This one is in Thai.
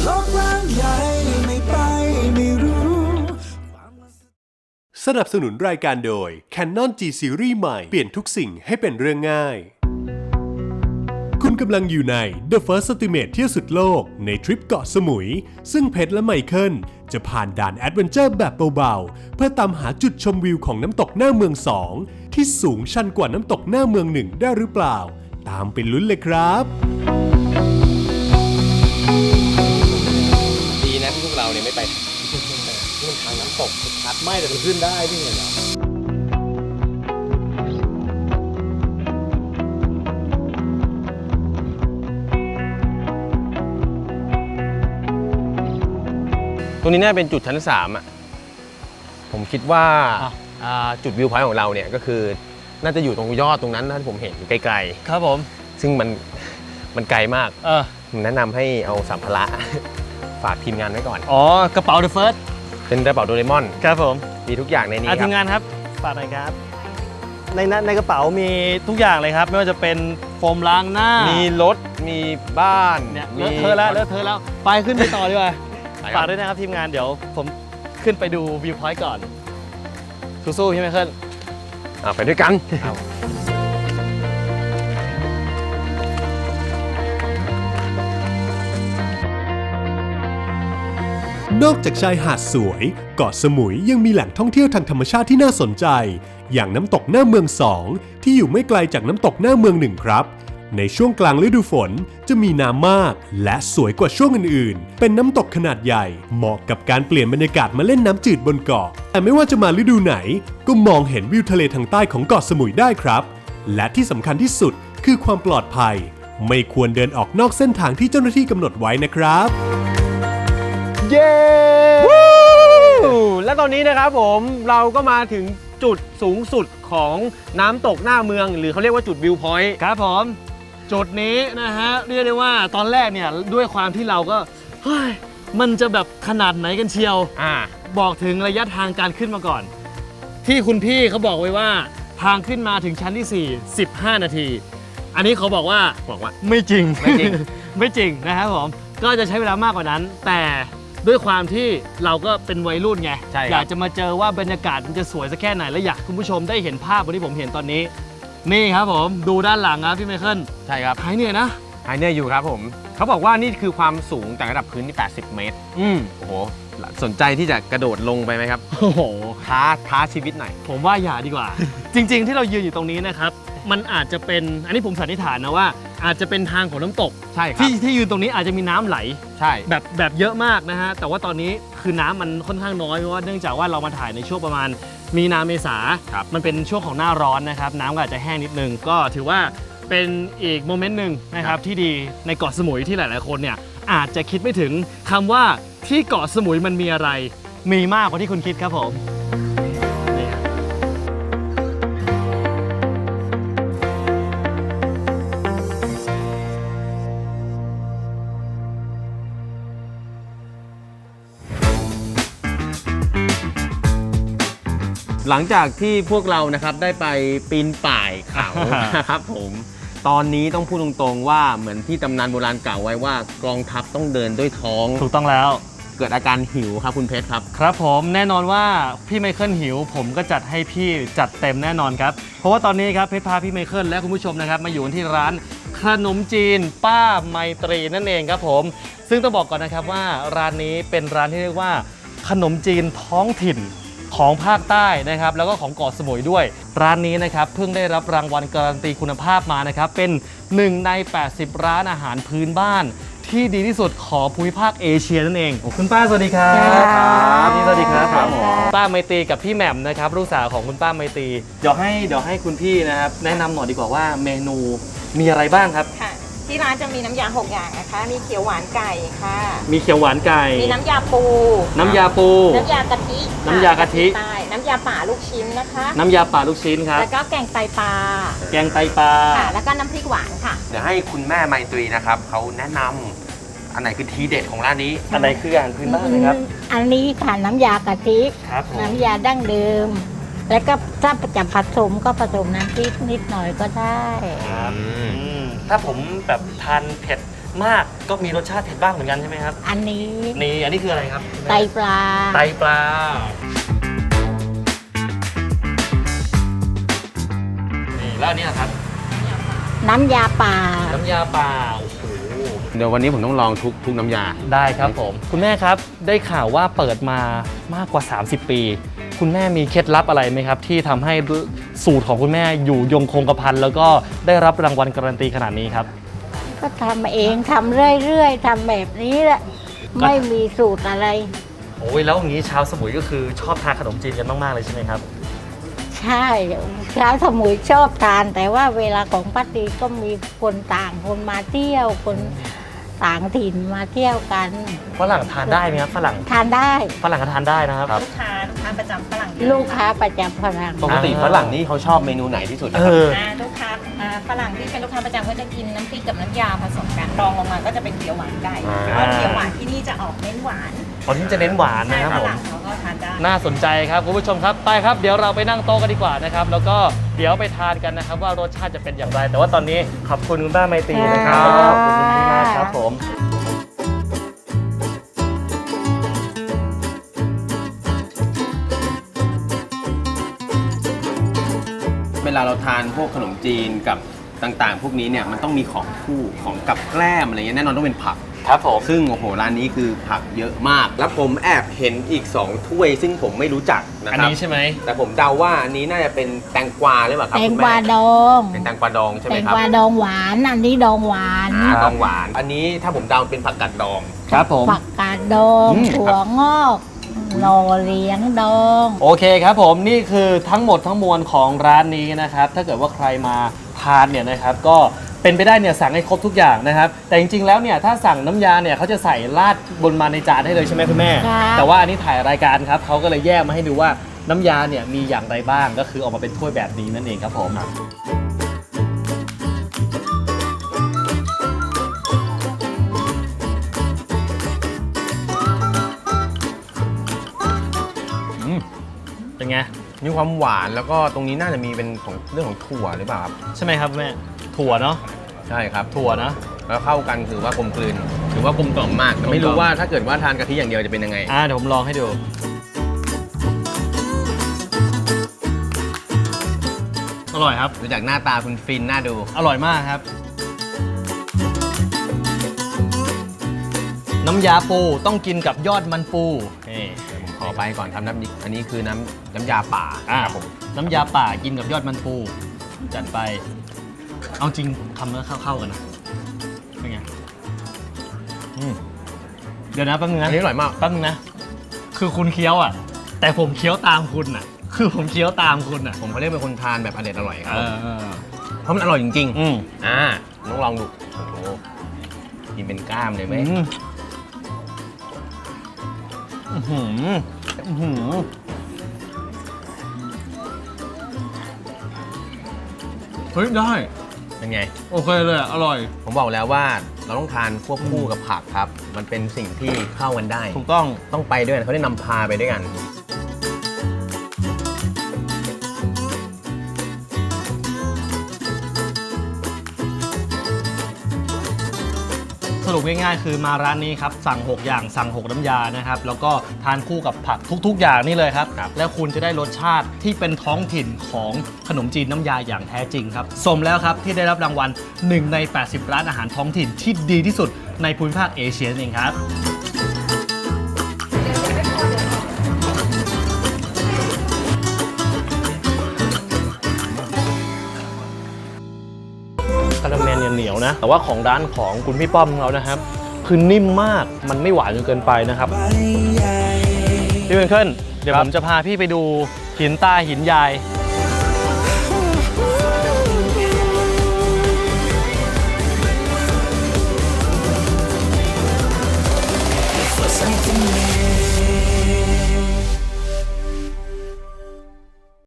โลกกว้างใหญ่ไม่ไปไม่รู้สนับสนุนรายการโดย Canon G Series ใหม่เปลี่ยนทุกสิ่งให้เป็นเรื่องง่ายคุณกำลังอยู่ใน The First Estimate เที่ยวสุดโลกในทริปเกาะสมุยซึ่งเพชรและไมเคิลจะผ่านด่านแอดเวนเจอร์แบบเบาๆเพื่อตามหาจุดชมวิวของน้ำตกหน้าเมือง2ที่สูงชันกว่าน้ำตกหน้าเมือง1ได้หรือเปล่าตามไปลุ้นเลยครับดีนะที่พวกเราเนี่ยไม่ไปนี่มันทางน้ำตกชัดไม่แต่มันขึ้นได้ที่เนี่ยตรงนี้น่าเป็นจุดชั้น3อ่ะผมคิดว่าจุดวิวพอยต์ของเราเนี่ยก็คือน่าจะอยู่ตรงยอดตรงนั้นที่ผมเห็นไกลๆครับผมซึ่งมันไกลมากผมแนะนำให้เอาสัมภาระฝากทีมงานไว้ก่อนกระเป๋า The First เป็นกระเป๋าโดเรมอนครับผมมีทุกอย่างในนี้ครับทีมงานครับฝากหน่อยครับในกระเป๋ามีทุกอย่างเลยครับไม่ว่าจะเป็นโฟมล้างหน้ามีรถมีบ้านเนี่ยเลอะเทอะแล้วไปขึ้นไปต่อดีกว่าฝากด้วยนะครับทีมงานเดี๋ยวผมขึ้นไปดูวิวพอยต์ก่อนสู้ๆพี่ไมเคิลไปด้วยกันนอกจากชายหาดสวยเกาะสมุยยังมีแหล่งท่องเที่ยวทางธรรมชาติที่น่าสนใจอย่างน้ำตกหน้าเมือง2ที่อยู่ไม่ไกลจากน้ำตกหน้าเมือง1ครับในช่วงกลางฤดูฝนจะมีน้ำมากและสวยกว่าช่วงอื่นๆเป็นน้ำตกขนาดใหญ่เหมาะกับการเปลี่ยนบรรยากาศมาเล่นน้ำจืดบนเกาะแต่ไม่ว่าจะมาฤดูไหนก็มองเห็นวิวทะเลทางใต้ของเกาะสมุยได้ครับและที่สำคัญที่สุดคือความปลอดภัยไม่ควรเดินออกนอกเส้นทางที่เจ้าหน้าที่กำหนดไว้นะครับเย้และตอนนี้นะครับผมเราก็มาถึงจุดสูงสุดของน้ำตกหน้าเมืองหรือเขาเรียกว่าจุดวิวพอยต์ครับผมจุดนี้นะฮะเรียกได้ว่าตอนแรกเนี่ยด้วยความที่เราก็เฮ้ยมันจะแบบขนาดไหนกันเชียวบอกถึงระยะทางการขึ้นมาก่อนที่คุณพี่เขาบอกไว้ว่าทางขึ้นมาถึงชั้นที่4 15 นาทีอันนี้เขาบอกว่าไม่จริง ไม่จริงนะครับผมก็จะใช้เวลามากกว่านั้นแต่ด้วยความที่เราก็เป็นวัยรุ่นไงอยากจะมาเจอว่าบรรยากาศมันจะสวยสักแค่ไหนและอยากคุณผู้ชมได้เห็นภาพวันที่ผมเห็นตอนนี้นี่ครับผมดูด้านหลังครับพี่ไมเคิลใช่ครับหายเหนื่อยนะหายเหนื่อยอยู่ครับผมเขาบอกว่านี่คือความสูงจากระดับพื้นที่80 เมตรโอ้โหสนใจที่จะกระโดดลงไปไหมครับโอ้โหท้าชีวิตหน่อยผมว่าอย่าดีกว่า จริงๆที่เรายืนอยู่ตรงนี้นะครับมันอาจจะเป็นอันนี้ผมสันนิษฐานนะว่าอาจจะเป็นทางของน้ำตกใช่ครับที่ยืนตรงนี้อาจจะมีน้ำไหลใช่แบบเยอะมากนะฮะแต่ว่าตอนนี้คือน้ำมันค่อนข้างน้อยเพราะว่าเนื่องจากว่าเรามาถ่ายในช่วงประมาณมีนาเมษามันเป็นช่วงของหน้าร้อนนะครับน้ำก็อาจจะแห้งนิดนึงก็ถือว่าเป็นอีกโมเมนต์หนึ่งนะครับที่ดีในเกาะสมุยที่หลายๆคนเนี่ยอาจจะคิดไม่ถึงคำว่าที่เกาะสมุยมันมีอะไรมีมากกว่าที่คุณคิดครับผมหลังจากที่พวกเรานะครับได้ไปปีนป่ายเขานะครับผมตอนนี้ต้องพูดตรงๆว่าเหมือนที่ตำนานโบราณกล่าวไว้ว่ากองทัพต้องเดินด้วยท้องถูกต้องแล้วเกิดอาการหิวครับคุณเพชรครับครับผมแน่นอนว่าพี่ไมเคิลหิวผมก็จัดให้พี่จัดเต็มแน่นอนครับเพราะว่าตอนนี้ครับเพชรพาพี่ไมเคิลและคุณผู้ชมนะครับมาอยู่ที่ร้านขนมจีนป้าไมตรีนั่นเองครับผมซึ่งต้องบอกก่อนนะครับว่าร้านนี้เป็นร้านที่เรียกว่าขนมจีนท้องถิ่นของภาคใต้นะครับแล้วก็ของเกาะสมุยด้วยร้านนี้นะครับเพิ่งได้รับรางวัลการันตีคุณภาพมานะครับเป็น1 ใน 80 ร้านอาหารพื้นบ้านที่ดีที่สุดของภูมิภาคเอเชียนั่นเองคุณป้าสวัสดีครับสวัสดีครับป้าไมตรีกับพี่แหม่มนะครับลูกสาวของคุณป้าไมตรีเดี๋ยวให้คุณพี่นะครับแนะนำหน่อยดีกว่าว่าเมนูมีอะไรบ้างครับที่ร้านจะมีน้ำยา6 อย่างนะคะมีเขียวหวานไก่ค่ะมีเขียวหวานไก่มีน้ำยาปูน้ำยากะทิน้ำยาป่าลูกชิ้นนะคะน้ำยาป่าลูกชิ้นครับแล้วก็แกงไตปลาค่ะแล้วก็น้ำพริกหวานค่ะเดี๋ยวให้คุณแม่ไมตรีนะครับเขาแนะนำอันไหนคือทีเด็ดของร้านนี้อันไหนคืออาหารพื้นบ้านนะครับอันนี้ค่ะน้ำยากะทิน้ำยาดั้งเดิมแล้วก็ถ้าจะผสมก็ผสมน้ำพริกนิดหน่อยก็ได้ถ้าผมแบบทานเผ็ดมากก็มีรสชาติเผ็ดบ้างเหมือนกันใช่ไหมครับอันนี้อันนี้คืออะไรครับไตปลาไตปลานี่แล้วอันนี้นะครับน้ำยาป่าน้ำยาป่าโอ้โหเดี๋ยววันนี้ผมต้องลองทุกน้ำยาได้ครับผมคุณแม่ครับได้ข่าวว่าเปิดมามากกว่า 30 ปี คุณแม่มีเคล็ดลับอะไรไหมครับ ที่ทำให้สูตรของคุณแม่อยู่ยงคงกระพันแล้วก็ได้รับรางวัลการันตีขนาดนี้ครับก็ทำเองทำเรื่อยๆทำแบบนี้แหละ ไม่มีสูตรอะไรโอ้ยแล้วอย่างนี้ชาวสมุยก็คือชอบทานขนมจีนกันมากๆเลยใช่ไหมครับใช่ชาวสมุยชอบทาน แต่ว่าเวลาของป้าตีก็มีคนต่างคนมาเที่ยวคนต่างถิ่นมาเที่ยวกันฝรั่งทานได้ไหมครับฝรั่งทานได้ฝรั่งก็ทานได้นะครับลูกค้าประจำฝรั่งลูกค้าประจำฝรั่งปกติฝรั่งนี่เขาชอบเมนูไหนที่สุดนะเอครับอลูกค้าฝรั่งที่เป็นลูกค้าประจำก็จะกินน้ำพริกกับน้ำยาผสมกันรองลงมาก็จะเป็นเขียวหวานไก่เพราะเขียวหวานที่นี่จะออกเน้นหวานตอนนี้จะเน้นหวานใช่นะครับฝผมรั่งเขาก็ทานได้น่าสนใจครับคุณผู้ชมครับไปครับเดี๋ยวเราไปนั่งโต๊ะกันดีกว่านะครับแล้วก็เดี๋ยวไปทานกันนะครับว่ารสชาติจะเป็นอย่างไร แต่ว่าตอนนี้ขอบคุณคุณป้าไมตรีนะครับค่ะขอบคุณคุณพี่มากครับผมเวลาเราทานพวกขนมจีนกับต่างๆ พวกนี้เนี่ยมันต้องมีของคู่ของกับแกล้มอะไรเงี้ยแน่นอนต้องเป็นผักครับผมซึ่งโอ้โหร้านนี้คือผักเยอะมาก แล้วผมแอบเห็นอีก 2 ถ้วย ซึ่งผมไม่รู้จักนะอันครับนี้ใช่ไหมแต่ผมเดาว่าอันนี้น่าจะเป็นแตงกวาหรือเปล่าครับแตงคุณกแม่วาดองเป็นแตงกวาดองใช่ไหแตมงครับกวาดองหวานอันนี้ดองหวานดองหวาน อันนี้ถ้าผมเดาเป็นผักกาดดองครับผมผักกาดดอง ถั่วงอกหน่อเหลียงดองโอเคครับผมนี่คือทั้งหมดทั้งมวลของร้านนี้นะครับถ้าเกิดว่าใครมาทานเนี่ยนะครับก็เป็นไปได้เนี่ยสั่งให้ครบทุกอย่างนะครับแต่จริงๆแล้วเนี่ยถ้าสั่งน้ำยาเนี่ยเขาจะใส่ราดบนมาในจานให้เลยใช่ไหมคุณแม่ครับแต่ว่าอันนี้ถ่ายรายการครับเขาก็เลยแยกมาให้ดูว่าน้ำยาเนี่ยมีอย่างไรบ้างก็คือออกมาเป็นถ้วยแบบนี้นั่นเองครับผมเป็นไงมีความหวานแล้วก็ตรงนี้น่าจะมีเป็นของเรื่องของถั่วหรือเปล่าครับใช่ไหมครับแม่ถั่วเนาะใช่ครับถั่วนะแล้วเข้ากันถือว่ากลมกลืนถือว่ากลมกล่อมมากแต่ไม่รู้ว่าถ้าเกิดว่าทานกะทิอย่างเดียวจะเป็นยังไงเดี๋ยวผมลองให้ดูอร่อยครับดูจากหน้าตาคุณฟินน่าดูอร่อยมากครับ น้ำยาปูต้องกินกับยอดมันปูนี่ผมขอไปก่อนครับอันนี้คือน้ำยาป่าครับผมน้ำยาป่ากินกับยอดมันปูจัดไป เอาจริงคำแล้วเข้าๆกันนะเป็นไงเดี๋ยวนะแป๊บนึงอันะนนี้อร่อยมากแป๊บนึงนะคือคุณเคี้ยวอ่ะ แต่ผมเคี้ยวตามคุณอ่ะ คือผมเคี้ยวตามคุณอ่ะผมเขาเรียกเป็นคนทานแบบอร่อยครับเออเพราะมันอร่อยจริงอืมๆต้องลองดูโอ้โหกินเป็นกล้ามเลยไหมอื้อหืออื้อหือเฮ้ยได้เป็นไงโอเคเลยอร่อยผมบอกแล้วว่าเราต้องทานควบคู่กับผักครับ มันเป็นสิ่งที่เข้ากันได้ถูกต้องต้องไปด้วยกันเขาได้นำพาไปด้วยกันสรุปง่ายๆคือมาร้านนี้ครับสั่ง 6 อย่างสั่ง 6 น้ำยานะครับแล้วก็ทานคู่กับผักทุกๆ อย่างนี่เลยครับ แล้วคุณจะได้รสชาติที่เป็นท้องถิ่นของขนมจีนน้ำยาอย่างแท้จริงครับสมแล้วครับที่ได้รับรางวัล1 ใน 80 ร้านอาหารท้องถิ่นที่ดีที่สุดในภูมิภาคเอเชียนั่นเองครับคาราเมลเหนียวๆนะแต่ว่าของร้านของคุณพี่ป้อมของเรานะครับคือนิ่มมากมันไม่หวานจนเกินไปนะครับใบใหญ่พี่เวนเคิลเดี๋ยวผมจะพาพี่ไปดูหินตาหินยาย